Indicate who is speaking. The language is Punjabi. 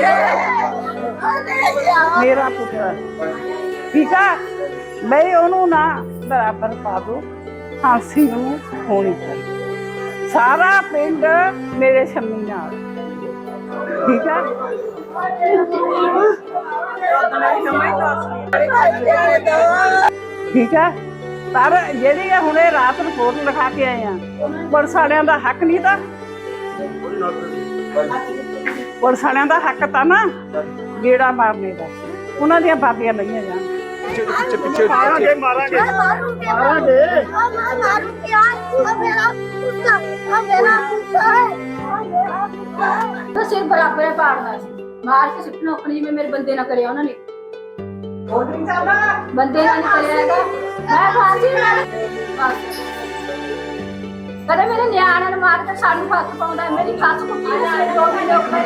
Speaker 1: ਮੇਰਾ ਪੁੱਤਰ ਠੀਕ ਆ ਬਈ ਉਹਨੂੰ ਨਾ ਬਰਾਬਰ ਪਾ ਦੋ ਹਾਂਸੀ ਨੂੰ ਹੋਣੀ ਚਾਹੀਦੀ ਸਾਰਾ ਪਿੰਡ ਮੇਰੇ ਸ਼ਮੀ ਨਾਲ ਠੀਕ ਆ ਠੀਕ ਆ ਪਰ ਜਿਹੜੀ ਹੁਣੇ ਰਾਤ ਰਿਪੋਰਟ ਲਿਖਾ ਕੇ ਆਏ ਆ ਪੁਲਿਸ ਵਾਲਿਆਂ ਦਾ ਹੱਕ ਨਹੀਂ ਤਾਂ ਪੁਲਿਸ ਵਾਲਿਆਂ ਦਾ ਹੱਕ ਤਾਂ ਨਾ ਗੇੜਾ ਮਾਰਨੇ ਦਾ ਉਹਨਾਂ ਦੀਆਂ ਬਾਬੀਆਂ ਲਈਆਂ ਜਾਣ
Speaker 2: ਪਿੱਛੇ ਮਾਰਾਂਗੇ
Speaker 3: ਸਿਰ ਬਰਾਬਰ ਪਾੜਨਾ ਸੀ ਮਾਰ ਕੇ ਸੁੱਟਣਾ ਆਪਣੀ ਜਿਵੇਂ ਮੇਰੇ ਬੰਦੇ ਨਾਲ ਕਰਿਆ ਉਹਨਾਂ ਨੇ ਬੰਦੇ ਨਾਲ ਨਹੀਂ ਕਰਿਆ ਹੈਗਾ ਮੈਂ ਫਾਂਸੀ ਕਦੇ ਮੇਰੇ ਨਿਆਣਿਆਂ ਨੂੰ ਮਾਰ ਕੇ ਸਾਨੂੰ ਹੱਥ ਪਾਉਂਦਾ ਮੇਰੀ ਸੱਸ ਕੁੱਟੀ ਨੇ 2 ਮਹੀਨੇ ਉੱਪਰ